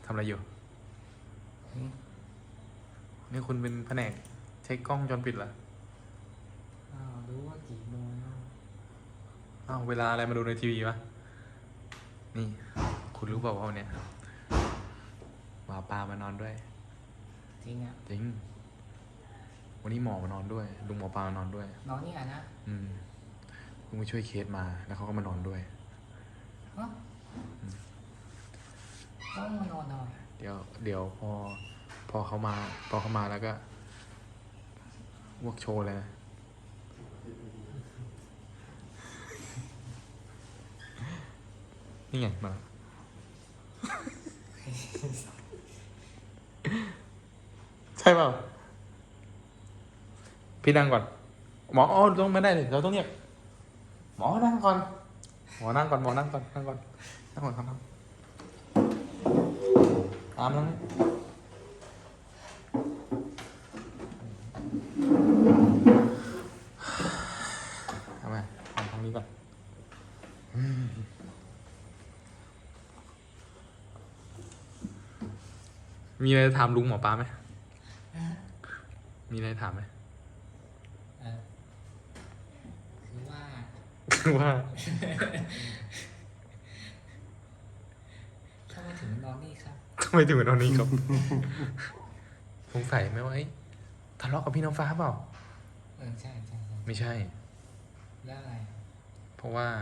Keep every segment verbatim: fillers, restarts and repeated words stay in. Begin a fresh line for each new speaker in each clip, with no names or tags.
ทำอะไรอยู่นี่คุณเป็นแผนกเช็คกล้องวงจรปิดเหรอ
อ้าวรู้ว่ากี่โมงแล้ว
อ้าวเวลาอะไรมาดูในทีวีวะนี่ คุณรู้เปล่าว่าวันเนี้ยหมาปลามานอนด้วย
จริงอ่ะ
จริง วันนี้หมอมานอนด้วยลุงหมอปลามานอนด้วย
น้องนี่อ่ะนะ
อืมเพิ่งไปช่วยเคสมาแล้วเขาก็มานอนด้วย
ฮะต้องมานอนหน่อย
เดี๋ยว เดี๋ยวพอ พอเขามา พอเขามาแล้วก็วกโชว์เลยนะนี่ไงมา ใช่เปล่าพี่นั่งก่อน หมออ๋อต้องไม่ได้เลยเราต้องเรียกหมอนั่งก่อน หมอนั่งก่อนหมอนั่งก่อนนั่งก่อนนั่งก่อนครับตามแล้วทำไมทำทางนี้ก่อนมีอะไรถามลุงหมอปลาไหมมีอะไรถามไหม
เออคือว่า
คือว่า
ทำไมถึงนอนนี่ครับ
ทำไมถึงเป็นตอนนี้ครับ สงสัยไหมว่าเอ้ยทะเลาะกับพี่น้ำฟ้าเปล่า
เออใช่ใช่ใช่
ไม่ใช่
แล้วอะไร
เพราะว่า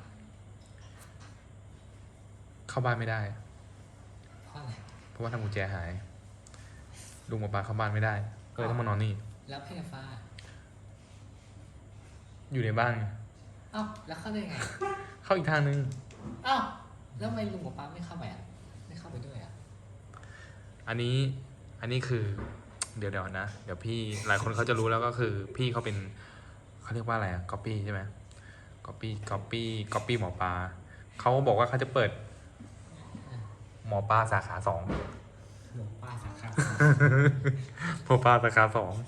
เข้าบ้านไม่ได้
เพราะอะไร
เพราะว่าทำกุญแจหาย ลุงหมอปลาเข้าบ้านไม่ได้ ก็เลยต้องมานอนนี่
แล้วพี่ฟ้า
อยู่ในบ้าน
เอ้าแล้วเข้าได้ไง
เข้าอีกทางนึง
เอ้าแล้วทำไมลุงกับป้าไม่เข้าไปอ่ะไม่เข้าไปด้วยอ่ะ
อันนี้ อันนี้คือ เดี๋ยวเดี๋ยวนะ เดี๋ยวพี่ หลายคนเขาจะรู้แล้วก็คือ พี่เขาเป็น เขาเรียกว่าอะไรอะก๊อปปี้ใช่ไหมก๊อปปี้ก๊อปปี้ก๊อปปี้หมอปลา เขาบอกว่าเขาจะเปิด หมอปลาสาขาสอง
หลวงป้าสาขา
หมอปลาสาขาสอง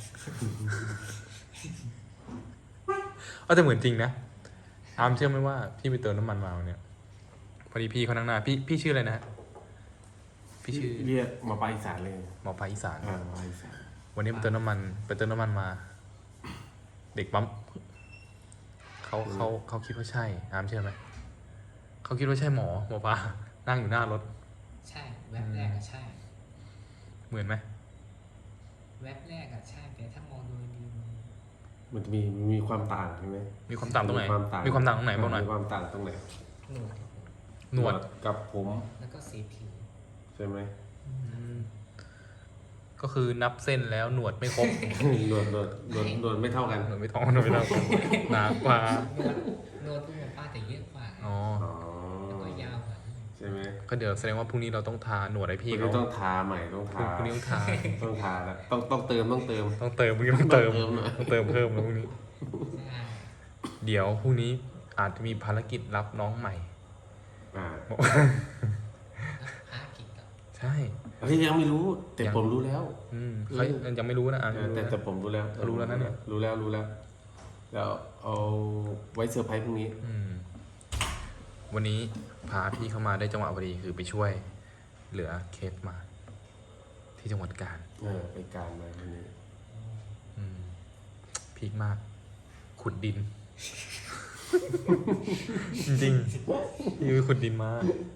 เอาแต่เหมือนจริงนะ อามเชื่อไหมว่าพี่ไปเติมน้ำมันมาวันเนี่ยพอดีพี่เขานั่งหน้า พี่พี่ชื่ออะไรนะ พี่ชื่อ
เรียกหมาปลาอีสานเลย
หมอปลาอีสาน
อ่าหมาปลาอีสาน
วันนี้ไปเติมน้ำมัน ไปเติมน้ำมันมา เด็กปั๊มเขาเขาเขาคิดว่าใช่อามเชื่อไหม เขาคิดว่าใช่หมอหมอปลานั่งอยู่หน้ารถ
ใช่แวบแรกอะใช่
เหมือนไหม
แวบแรกอะใช่แต่ถ้ามองดูดีมัน
มันจะมีมีความต่างใช่ไหม
มีความต่างตรงไหน
มีความต่าง
มีความต่างตรงไหนบ้างหน่อย
มีความต่างตรงไหน
หนวด
หนวด
กับผม
แล้วก็สีผิว
ใช่ไหม
อืมก็คือนับเส้นแล้วหนวดไม่ครบ
หนวดหนวดหนวดหนวดไม่เท่ากัน
หนวดไม่ท้องหนวดไม่เท่ากันหนากว่า
หนวดหนวดลุงกับป้าแต่เยอะกว่าไง
อ๋อ
อ๋อ
แล้วก็ยาวกว่า
ใช่ไหม
ก็เดี๋ยวแสดงว่าพรุ่งนี้เราต้องทาหนวดให้
พ
พี่
รุ่ง
เขา
นี้ต้องทาใหม่ต้อง
พรุ่
ทาง
พรุ่งนี้ต้องทา
ต้องทาแล้วต้องต้องเติมต้องเติม
ต้องเติมพรุ่งนี้ต้องเติม
ต้องเติมหน่อย
ต้องเติมเพิ่มแล้วพรุ่งนี้
ใช่
เดี๋ยวพรุ่งนี้อาจจะมีภารกิจรับน้องใหม่
อ่า
แล้วพากิจกับ
ใช่
เฮ้ยยังไม่รู้ แต่
ยัง
ผมรู้แล้ว
อืมเขายังไม่รู้นะอ่ะ
เออแต่แต่ผมรู้แล้ว
รู้แล้วนะเนี่ย
รู้แล้วรู้แล้วแล้วเอาไว้เซอร์ไพรส์พรุ่งนี้
อืมวันนี้พาพี่เข้ามาได้จังหวะพอดีคือไปช่วย เหลือเคสมา ที่จังหวัดกาญ
เออไปการมาวันนี้
อืมพีคมาก ขุดดิน จริงๆพี่ไปขุดดินมา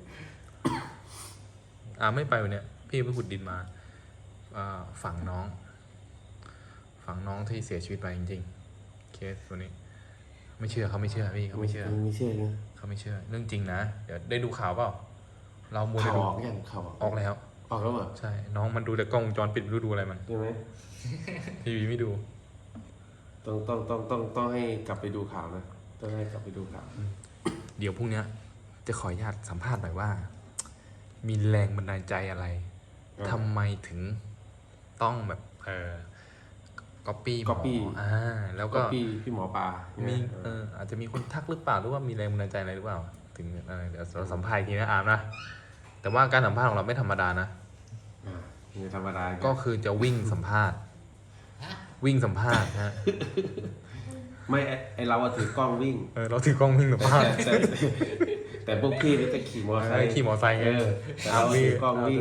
อ่าไม่ไปวันเนี้ยพี่ไปขุดดินมาอ่าฝังน้อง ฝังน้องที่เสียชีวิตไปจริงๆเคสตัวนี้ ไม่เชื่อเขาไม่เชื่อพี่เขาไม่เชื่อ
ไม่เชื่อนะ
เขาไม่เชื่อ เรื่องจริงนะเดี๋ยวได้ดูข่าวเปล่า เรามัว
ข่า
แต่
ว
ดู
ออกยังข่าวออก
ออกแล้ว
ออกแล้วเหรอ
ใช่ น้องมันดูแต่กล้องวงจรปิดไม่รู้ดูอะไรมัน
ใช่ไหม
ทีวีไม่ดู
ต้องต้องต้องต้องต้องให้กลับไปดูข่าวนะต้องให้กลับไปดูข่าว
เดี๋ยวพรุ่งเนี้ยจะขออนุญาตสัมภาษณ์หน่อยว่า มีแรงบันดาลใจอะไรทำไมถึงต้องแบบเออก๊อปปี้หม
ก๊
อ
อปปี้
อ่าแล้ว
ก็
ก็
พี่พี่หมอปลา
มี
เนี่ย
เอออาจจะมีคนทักหรือเปล่าหรือว่ามีแรงบันดาลใจอะไรหรือเปล่า ถึงอะไรเดี๋ยวเราสัมภาษณ์อีกทีนะอามนะแต่ว่าการสัมภาษณ์ของเราไม่ธรรมดานะ
อ่านี่ธรรมดา
ก็คือจะวิ่งสัมภาษณ์
ฮะ
วิ่งสัมภาษณ์นะ
ไม่ไอ้ไอเราอะถือกล้องวิ่ง
เออเราถือกล้องวิ่งสัมภาษณ์
แต่แต่แต่พวกพี่นี่จะขี่มอเตอร์ไซค์
ขี่มอเตอร์ไซค์
เอ
ไง
อแต่เราถือกล้องวิ่ง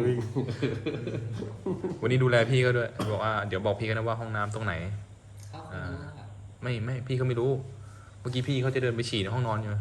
วันนี้ดูแลพี่ก็ด้วยบอกว่าเดี๋ยวบอกพี่กันนะว่าห้องน้ำตรงไหน
เขาคงรู้ว่าแบบ
ไม่ไม่พี่เขาไม่รู้ เมื่อกี้พี่เขาจะเดินไปฉี่ในห้องนอนอยู่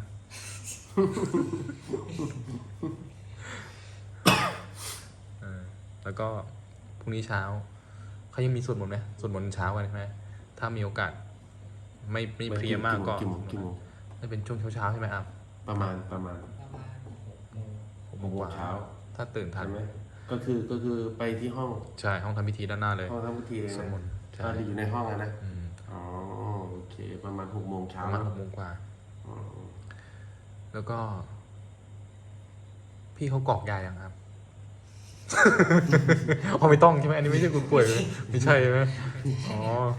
เออแล้วก็พรุ่งนี้เช้าเขายังมีสวดมนต์ไหมสวดมนต์เช้ากันใช่ไหมถ้ามีโอกาส ไม่ไม่เพลียมากก็
กี่โมงกี่โมง
ไม่เป็นช่วงเช้าๆใช่ไหมครับ
ประมาณประมาณ
ประมาณหกโมง
หกโมงกว่า
เช้า
ถ้าตื่นทัน
ใช่ไหมก็คือก็คือไปที่ห้อง
ใช่ห้องทำพิธีด้านหน้าเลย
ห้องทำพิธีเลย
สวด
นะ
มนต์ใช่
อ่าอยู่ในห้องอะนะ
อืม
อ๋อโอเค ประมาณหกโมง
ป
เช้า
ระมาณหกโมงกว่า
อ๋อ
แล้วก็ พี่เขากรอกยายังครับ อ๋อไม่ต้องใช่ไหมอันนี้ไม่ใช่คุณป่วยเลยไม่ใช่ใช่ไหมอ๋อ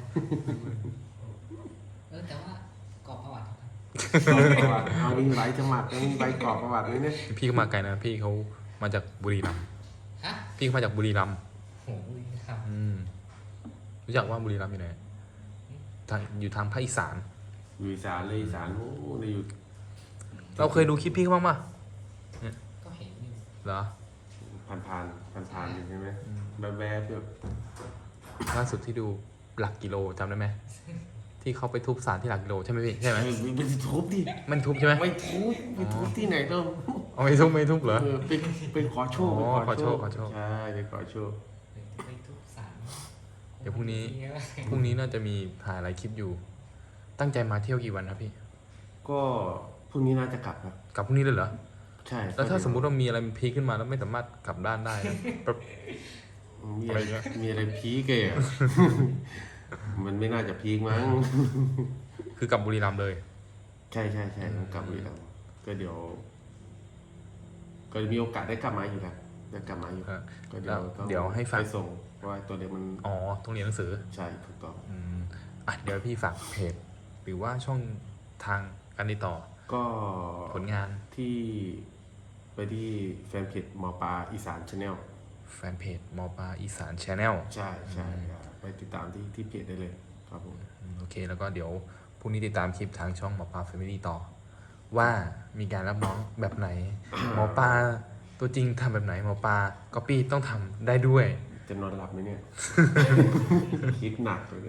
เออแต่ว่ากรอกประวัติครับ
กรอกประวัติเอามีใบสมัครแล้วมีใบกรอกประวัติไหมเนี่ย
พี่เขามาไกลนะ พี่เขามาจากบุรีรัมย์
ฮะ
พี่เขามาจากบุรีรัมย์
โหครับ
อืมรู้จักว่าบุรีรัมย์อยู่ไหนทางอยู่ทางภาคอีสาน
อยู่อีสานเลยอีสานโอ้เลยอยู่
เราเคยดูคลิปพี่เขาบ้างปะ
ก็เห็นอยู่
เหรอ
ผ่านผ่านผ่านผ่านๆอยู่ใช่ไหมแบบแบบๆแบบ
ล่าสุดที่ดูหลักกิโลจำได้ไหมที่เขาไปทุบสารที่หลักกิโลใช่ไหมพี่ใช่ไหม
เออไม่ทุบดิ
มันทุบใช่ไหม
ไม่ทุบไม่ทุบที่ไหนต้อง
เอาไม่ทุบไม่ทุบเหรอ
เออไปไปขอโชค
อ๋อ
ไป
ขอโชคขอโชค
ใช่ไปขอโชค
เดี๋ยวจะไปทุบสาร
เดี๋ยวพรุ่งนี้ พรุ่งนี้น่าจะมีถ่ายหลายคลิปอยู่ ตั้งใจมาเที่ยวกี่วันครับพี่
ก็พรุ่งนี้น่าจะกลับครับ
กลับพรุ่งนี้เลยเหรอ
ใช่
แล้วถ้าสมมุติว่ามีอะไรมันพีคขึ้นมาแล้วไม่สามารถกลับด้านได้นะแบบ
มี
อะ
อะไร ไร
เงี้ย
มีอะไรพีกเลยอะ มันไม่น่าจะพีกมั้ง
คือกลับบุรีรัมย์เลย
ใช่ใช่ใช่ต้องกลับบุรีรัมย์ก็เดี๋ยว ก็มีโอกาสได้กลับมาอยู่แล้วได้กลับมาอยู่
เออ
ก็เดี๋ยวต้อง
เดี๋ยวให้ฝาก
ไปส่งเพราะว่าตัวเด็กมัน
อ๋อต้องเรียนหนังสือ
ใช่ถูกต้อง
อืมอ่ะเดี๋ยวพี่ฝากเพจหรือว่าช่องทางการติดต่อ
ก็
ผลงาน
ที่ไปที่แฟนเพจหมอปลาอีสานชาแนล
แฟนเพจมอปลาอีสานชาแนล
ใช่ใช่อ่าไปติดตามที่ที่เพจได้เลยครับผม
โอเค แล้วก็เดี๋ยวพรุ่งนี้ติดตามคลิปทางช่องหมอปลาแฟมิลี่ต่อ ว่ามีการรับน้องแบบไหน หมอปลาตัวจริงทำแบบไหน หมอปลาก๊อปปี้ต้องทำได้ด้วย
จะนอนหลับไหมเนี่ย คิดหนักเลยเนี่ย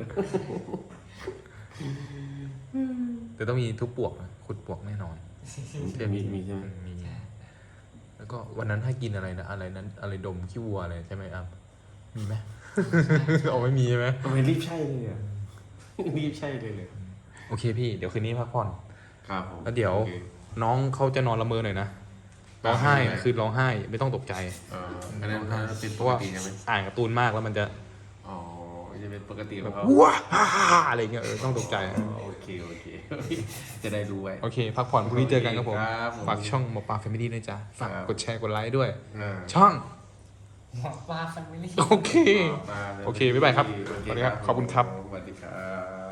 แต่ต้องมีทุบปวกนะขุดปวกแน่นอน
มีมีใช่ไหม
มี แล้วก็วันนั้นให้กินอะไรนะ อะไรนั้น อะไรดมขี้วัวอะไรใช่ไหมครับ มีไหม เอาไม่มีใช่ไหม
ทำไมรีบใช่เลยอ่ะ รีบใช่เลยเลย
โอเคพี่ เดี๋ยวคืนนี้พักผ่อน
ครับผม
แล้วเดี๋ยว
โอค
น้องเขาจะนอนละเมอหน่อยนะ ร้องไห้
ไม่เป็นไร
คือร้องไห้ไม่ต้องตกใจ
เอ่ออันนั้นอันนั้นเป็น
เพ
ป
ราะ
ก
ว่า
ติใช่ไหม
อ่านการ์ตูนมากแล้วมันจะ
อ๋อจะเป็นปกติข
แบ
อง
บ
เขา
ว้าฮ่าฮ่าฮ่าอะไรเงี้ยเออต้องตกใจ
อ๋อโอเคโอเค จะได้รู้ไว้
โอเค พักผ่อนพรุ่งนี้เจอกันครับผม
ครับผม
ฝากช่องหมอปลาแฟมิลี่ด้วยจ้ะฝาก
ครับ
กดแชร์กดไลค์ด้วย
อ่า
ช่อง
หมอปลาฟันไม่ได้
โอเค
มาลย
โอเคบ๊ายบายครับ
โอเ
สวัสดีครับขอบคุณครับ
สวัสดีครับ